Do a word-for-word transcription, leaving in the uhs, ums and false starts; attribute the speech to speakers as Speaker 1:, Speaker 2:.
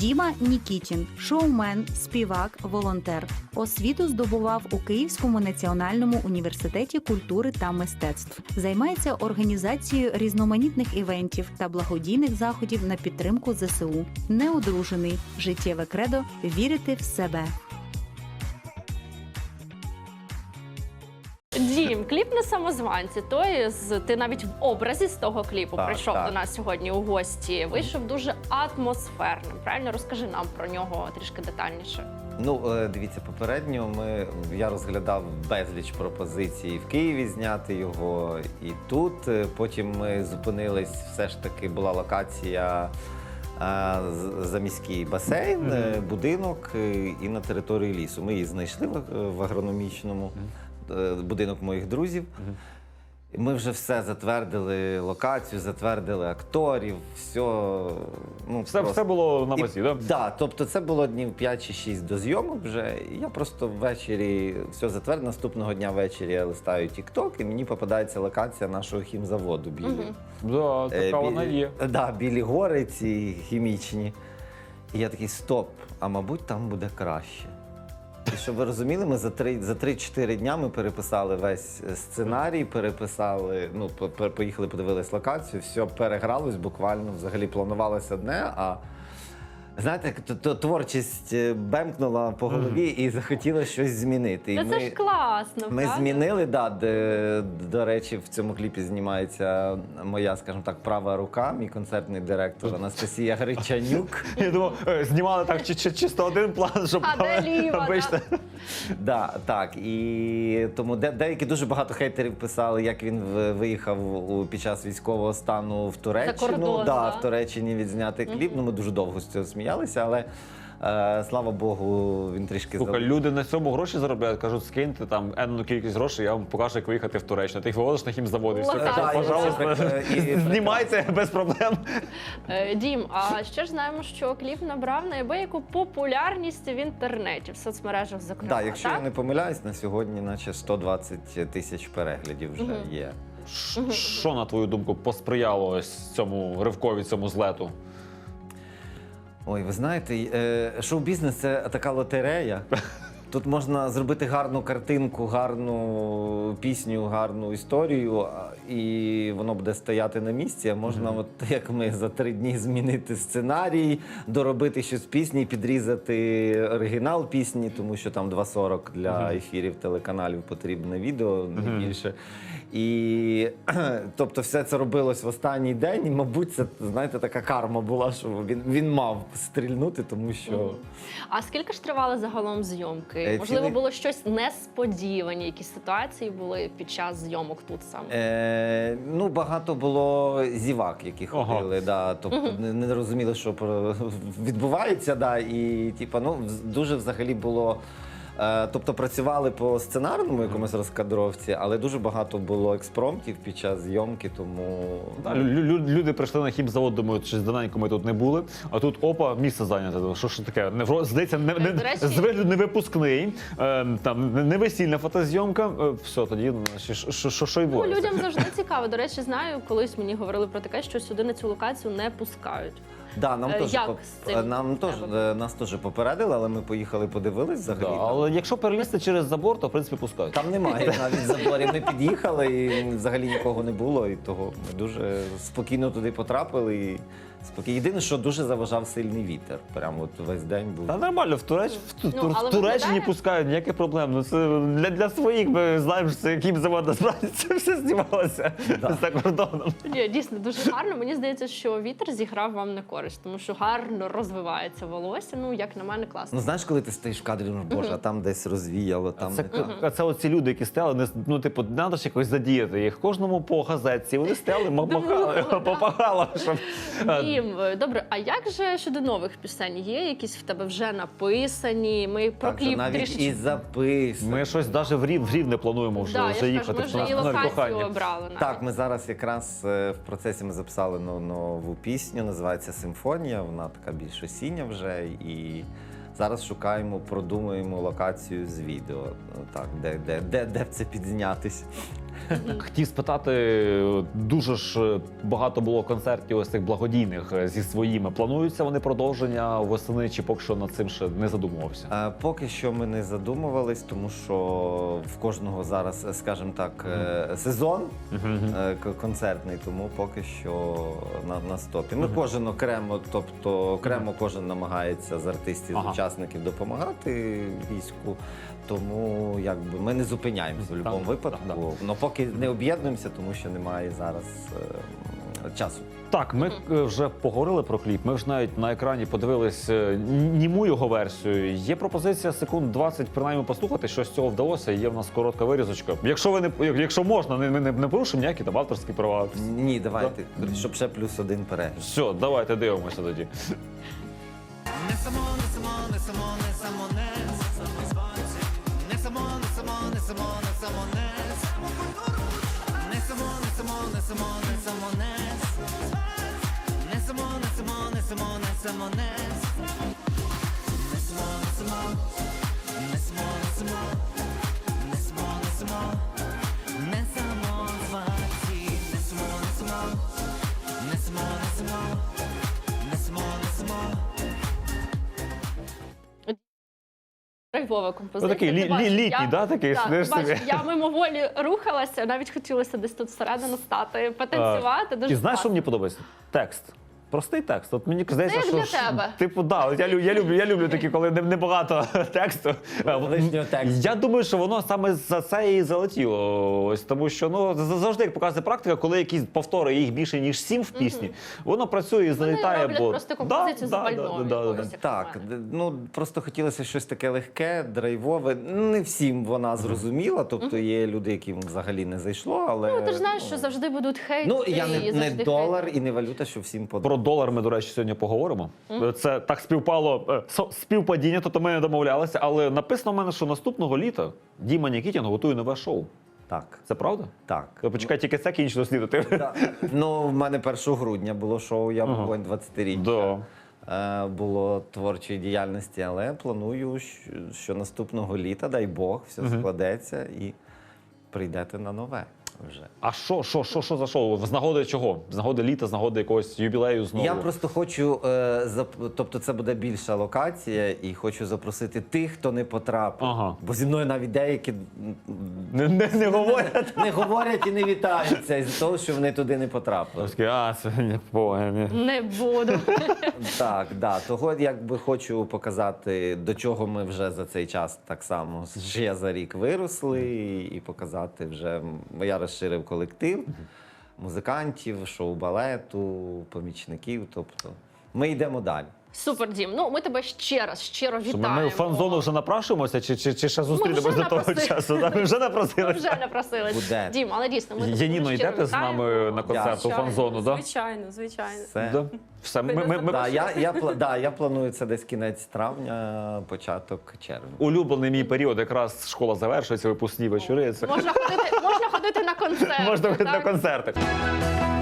Speaker 1: Діма Нікітін – шоумен, співак, волонтер. Освіту здобував у Київському національному університеті культури та мистецтв. Займається організацією різноманітних івентів та благодійних заходів на підтримку зе се у. Неодружений. Життєве кредо – вірити в себе.
Speaker 2: Дім, кліп на самозванці. Той з ти навіть в образі з того кліпу
Speaker 3: Так,
Speaker 2: прийшов
Speaker 3: так.
Speaker 2: до нас сьогодні у гості. Вийшов дуже атмосферним. Правильно, розкажи нам про нього трішки детальніше.
Speaker 3: Ну, е, дивіться, попередньо ми, я розглядав безліч пропозицій в Києві зняти його і тут. Е, Потім ми зупинились, все ж таки була локація е, з- заміський басейн, е, будинок е, і на території лісу. Ми її знайшли в, в агрономічному, е, будинок моїх друзів. І Ми вже все затвердили, локацію, затвердили акторів, все. Ну,
Speaker 4: Все,
Speaker 3: просто-
Speaker 4: все було на базі, так?
Speaker 3: Так, да, тобто це було днів п'ять чи шість до зйомок вже. І я просто ввечері все затвердив. Наступного дня ввечері я листаю TikTok, і мені попадається локація нашого хімзаводу білі.
Speaker 2: Мгм.
Speaker 4: Да, така
Speaker 3: Е,
Speaker 4: вона
Speaker 3: білі-
Speaker 4: є.
Speaker 3: Да, білі гори ці хімічні. І я такий, стоп, а мабуть там буде краще. І щоб ви розуміли, ми за три за три-чотири дня ми переписали весь сценарій, переписали, ну, по- по- поїхали, подивились локацію, все перегралось буквально, взагалі планувалося одне, а знаєте, як то, то творчість е, бемкнула по голові і захотіла щось змінити. І
Speaker 2: Та це ж класно,
Speaker 3: ми
Speaker 2: правда?
Speaker 3: змінили, да, де, до речі, в цьому кліпі знімається моя, скажімо так, права рука, мій концертний директор Анастасія Гречанюк.
Speaker 4: Я думав, е, знімали так чи, чи, чисто один план, щоб
Speaker 2: А де ліва,
Speaker 4: обичне.
Speaker 3: Да, так, і тому де, деякі дуже багато хейтерів писали, як він в- виїхав у, під час військового стану в Туреччину.
Speaker 2: кордон,
Speaker 3: да,
Speaker 2: да.
Speaker 3: в Туреччині відзняти кліп. Ну, ми дуже довго з цього сміялися, але е, слава Богу, він трішки
Speaker 4: Слухай,
Speaker 3: зал-
Speaker 4: люди на цьому гроші заробляють, кажуть, скиньте там енну кількість грошей, я вам покажу, як виїхати в Туреччину. Ти їх виводиш на хімзавод і все,
Speaker 2: Отак.
Speaker 4: кажуть,
Speaker 3: Да, і
Speaker 4: пожалуйста,
Speaker 3: це, е, і- і
Speaker 4: знімайте без проблем.
Speaker 2: Е, Дім, а ще ж знаємо, що кліп набрав неабияку популярність в інтернеті, в соцмережах, зокрема.
Speaker 3: Да, якщо
Speaker 2: так?
Speaker 3: я не помиляюсь, на сьогодні наче сто двадцять тисяч переглядів вже є.
Speaker 4: Ш- Що, на твою думку, посприяло ось цьому ривкові, цьому злету?
Speaker 3: Ой, ви знаєте, е, шоу-бізнес – це така лотерея. Тут можна зробити гарну картинку, гарну пісню, гарну історію, а- і воно буде стояти на місці. А можна, от як ми, за три дні змінити сценарій, доробити щось в пісні, підрізати оригінал пісні, тому що там два сорок для ефірів телеканалів потрібне відео, не більше. І тобто все це робилось в останній день, і, мабуть, це, знаєте, така карма була, що він, він мав стрільнути, тому що.
Speaker 2: А скільки ж тривали загалом зйомки?
Speaker 3: Е,
Speaker 2: Можливо,
Speaker 3: цілий-
Speaker 2: було щось несподівані, якісь ситуації були під час зйомок тут саме?
Speaker 3: Е, ну, багато було зівак, які
Speaker 4: Ага.
Speaker 3: ходили, да, тобто не, не розуміли, що про- відбувається, да, і типа, ну, вз- дуже взагалі було. Е, тобто працювали по сценарному якомусь розкадровці, але дуже багато було експромтів під час зйомки, тому
Speaker 4: Да, лю- лю- люди прийшли на хімзавод, думають, що давненько ми тут не були, а тут опа, місце зайняте. Що ж таке? Не, вро- здається, не, не,
Speaker 2: До речі-
Speaker 4: з вигляду не випускний, е, там, не- не весільна фотозйомка. Е, все, тоді ну, що, що, що, що й
Speaker 2: Ну,
Speaker 4: буде.
Speaker 2: людям завжди цікаво. До речі, знаю, колись мені говорили про таке, що сюди на цю локацію не пускають.
Speaker 3: да, нам
Speaker 2: Е,
Speaker 3: теж
Speaker 2: як
Speaker 3: поп-
Speaker 2: з цим
Speaker 3: нам теж
Speaker 2: треба?
Speaker 3: е, нас теж попередили, але ми поїхали подивились взагалі.
Speaker 4: Да,
Speaker 3: там-
Speaker 4: але якщо перелізти через забор, то в принципі пускають.
Speaker 3: Там немає навіть заборів. Ми під'їхали і взагалі нікого не було. І того ми дуже спокійно туди потрапили. І спокійно. Єдине, що дуже заважав сильний вітер. Прямо от весь день був.
Speaker 4: Та нормально, в, Туреч... в, Ту-
Speaker 2: Ну,
Speaker 4: в
Speaker 2: але
Speaker 4: Туреччині
Speaker 2: виглядає-
Speaker 4: пускають, ніяких проблем. Ну, це для, для своїх ми знаємо, що це яким завод насправді це все знімалося за кордоном.
Speaker 2: Ні, дійсно дуже гарно. Мені здається, що вітер зіграв вам на користь, тому що гарно розвивається волосся. Ну, як на мене, класно.
Speaker 3: Ну знаєш, коли ти стоїш в кадрі, ну боже, а там десь розвіяло, там
Speaker 4: Це,
Speaker 3: не так.
Speaker 4: а це оці люди, які стояли, не, ну, типу, треба ж якось задіяти їх. Кожному по газетці. Вони стояли, ма- махали, попагало, щоб...
Speaker 2: Дім, добре, а як же щодо нових пісень? Є якісь в тебе вже написані? Ми про
Speaker 3: Так, що
Speaker 2: кліп
Speaker 3: навіть
Speaker 2: трішечки.
Speaker 3: і запис.
Speaker 4: Ми щось навіть в Рів, в Рів не плануємо вже,
Speaker 2: Да, я
Speaker 4: вже
Speaker 2: ж кажу,
Speaker 4: їхати.
Speaker 2: ми вже
Speaker 4: в нас
Speaker 2: і
Speaker 4: нові
Speaker 2: локацію
Speaker 4: кохання.
Speaker 2: обрали. навіть.
Speaker 3: Так, ми зараз якраз е, в процесі ми записали но- нову пісню, називається Симфонія. Вона така більш осіння вже. І зараз шукаємо, продумуємо локацію з відео. Ну, так, де, де, де, де б це підзнятись.
Speaker 4: Хотів спитати, дуже ж багато було концертів ось цих благодійних зі своїми. Плануються вони продовження восени, чи поки що над цим ще не задумувався?
Speaker 3: Е, Поки що ми не задумувались, тому що в кожного зараз, е, скажімо так, е, сезон е, к- концертний, тому поки що на, на стопі. Ми кожен окремо, тобто окремо кожен намагається з артистів,
Speaker 4: Ага.
Speaker 3: з учасників допомагати війську. Тому якби ми не зупиняємося в
Speaker 4: Так,
Speaker 3: будь-якому випадку.
Speaker 4: так,
Speaker 3: Но поки не об'єднуємося, тому що немає зараз е, часу.
Speaker 4: Так, ми е, вже поговорили про кліп. Ми ж навіть на екрані подивились е, німу його версію. Є пропозиція секунд двадцять принаймні послухати, що з цього вдалося. Є в нас коротка вирізочка. Якщо ви не якщо можна, не, не, не порушимо ніякі там авторські права.
Speaker 3: Ні, давайте, щоб ще плюс один перегляд.
Speaker 4: Все, давайте дивимося тоді.
Speaker 5: Не само, не само, не само, не само, не самозванці. Не само, не само, не само, не само, не Не само, не само, не само, не само, не Не само, не само, не само, не само, не Не само, не само, не само, не само, не само, не само, не самозванці. Не само, не само, не само, не само, не само, не само.
Speaker 2: Драйвова композиція.
Speaker 4: Ну, такий лі-
Speaker 2: Ти бачиш,
Speaker 4: лі- літній,
Speaker 2: я-
Speaker 4: да, такий,
Speaker 2: Так,
Speaker 4: сидиш
Speaker 2: ти бачиш,
Speaker 4: собі.
Speaker 2: я мимоволі рухалася, навіть хотілося десь тут всередину стати, потанцювати. Дуже
Speaker 4: І знаєш, що
Speaker 2: класно.
Speaker 4: мені подобається? Текст. Простий текст. От мені здається,
Speaker 2: Це
Speaker 4: що
Speaker 2: для
Speaker 4: ж,
Speaker 2: тебе.
Speaker 4: типу, да, от я, лю- я люблю, я люблю такі, коли не- небагато тексту.
Speaker 3: Лишнього тексту.
Speaker 4: Я думаю, що воно саме за це і залетіло. Ось тому, що ну з- завжди як показує практика, коли якісь повтори їх більше ніж сім в пісні, воно працює і залітає.
Speaker 2: роблять
Speaker 4: бо
Speaker 2: просто композицію
Speaker 4: да,
Speaker 2: запальною
Speaker 4: да, да, да,
Speaker 2: якоюсь.
Speaker 4: да.
Speaker 3: Так, д- ну просто хотілося щось таке легке, драйвове. Не всім вона зрозуміла, тобто є люди, яким взагалі не зайшло, але
Speaker 2: Ну, ти ж знаєш, що завжди будуть хейти.
Speaker 3: ну я
Speaker 2: і
Speaker 3: не, не
Speaker 2: завжди
Speaker 3: долар
Speaker 2: хейти.
Speaker 3: і не валюта, що всім
Speaker 4: Про
Speaker 3: подобається.
Speaker 4: долар ми, до речі, сьогодні поговоримо. Це так співпало е, со- співпадіння, тобто ми не домовлялися, але написано в мене, що наступного літа Діма Нікітін готує нове шоу.
Speaker 3: Так,
Speaker 4: Це правда?
Speaker 3: так.
Speaker 4: То почекай, тільки це кінчено слідати.
Speaker 3: Так. Ну, в мене першого грудня було шоу, я
Speaker 4: Ага.
Speaker 3: був двадцятиріччя.
Speaker 4: Да.
Speaker 3: Е, Було творчої діяльності, але планую, що, що наступного літа, дай Бог, все складеться і прийдете на нове вже.
Speaker 4: А що, що, що, що за шоу? З нагоди чого? З нагоди літа, з нагоди якогось юбілею знову?
Speaker 3: Я просто хочу, е, зап- тобто це буде більша локація, і хочу запросити тих, хто не потрапив.
Speaker 4: Ага.
Speaker 3: Бо зі мною навіть деякі м,
Speaker 4: Не, не, не говорять.
Speaker 3: не говорять і не вітаються із того, що вони туди не потрапили.
Speaker 4: Такі, а, це не погані.
Speaker 2: Не буду.
Speaker 3: Так, да. Того якби хочу показати, до чого ми вже за цей час так само ще за рік виросли, і показати вже м, я розширив колектив музикантів, шоу-балету, помічників. Тобто ми йдемо далі.
Speaker 2: Супер, Дім. Ну, ми тебе ще раз щиро
Speaker 4: Що
Speaker 2: вітаємо.
Speaker 4: ми в фан-зону вже напрашуємося, чи, чи, чи ще зустрінемось
Speaker 2: вже
Speaker 4: до того
Speaker 2: напросили.
Speaker 4: часу? Да, Ми вже
Speaker 2: Ми
Speaker 4: напросилися.
Speaker 2: вже напросились.
Speaker 3: Буде.
Speaker 2: Дім, але дійсно, ми тебе
Speaker 4: Яніно,
Speaker 2: дуже щиро
Speaker 4: йдете з
Speaker 2: вітаємо.
Speaker 4: нами на концерт у
Speaker 2: Звичайно,
Speaker 4: фан-зону, так?
Speaker 6: Звичайно, звичайно.
Speaker 3: Все.
Speaker 4: Да? Все, ми, ми, ми,
Speaker 3: Да, я, я, пла- да, я планую це десь кінець травня, початок червня.
Speaker 4: Улюблений мій період, якраз школа завершується, випускні вечори. Це
Speaker 2: Можна ходити, можна ходити на концерт.
Speaker 4: можна ходити на
Speaker 2: так?
Speaker 4: концерти.